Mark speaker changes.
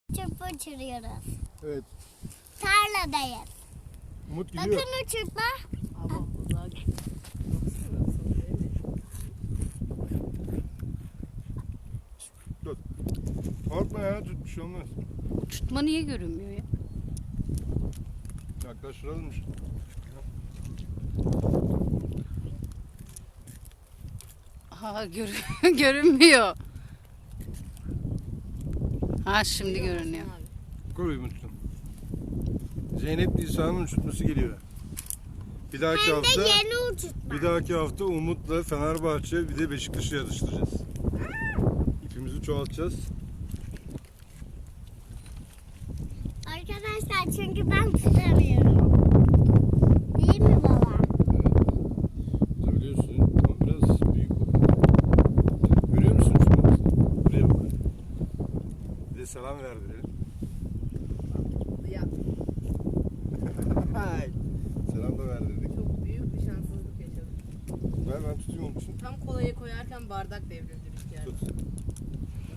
Speaker 1: Çöp uçuruyoruz.
Speaker 2: Evet.
Speaker 1: Tarladayız.
Speaker 2: Umut gidiyor.
Speaker 1: Bakın uçurtma.
Speaker 3: Ama uzağa gitti. Baksana sonra öyle.
Speaker 2: Dur. Korkma ya, tut, bir şey olmaz.
Speaker 3: Uçurtma niye görünmüyor ya?
Speaker 2: Yaklaştıralım işte.
Speaker 3: Aha görünmüyor. Ha şimdi görünüyor.
Speaker 2: Koy Umut'cum. Zeynep Nisa'nın uçurtması geliyor. Bir dahaki
Speaker 1: Hem de
Speaker 2: hafta
Speaker 1: yeni uçurtma.
Speaker 2: bir dahaki hafta Umut'la Fenerbahçe bir de Beşiktaş'ı yarıştıracağız. İpimizi çoğaltacağız.
Speaker 1: Arkadaşlar çünkü ben tutamıyorum. Değil mi baba?
Speaker 2: Tutabiliyorsun ama biraz büyük oldu. Görüyor musun Umut? Buraya bak. Bir de selam verdirelim.
Speaker 3: Ya
Speaker 2: Hay. Selam da verdirdik.
Speaker 3: çok büyük bir şanssızlık yaşadım.
Speaker 2: Ben tutayım onun için.
Speaker 3: Tam kolayı koyarken bardak devrildi rüzgarda.
Speaker 2: Tut.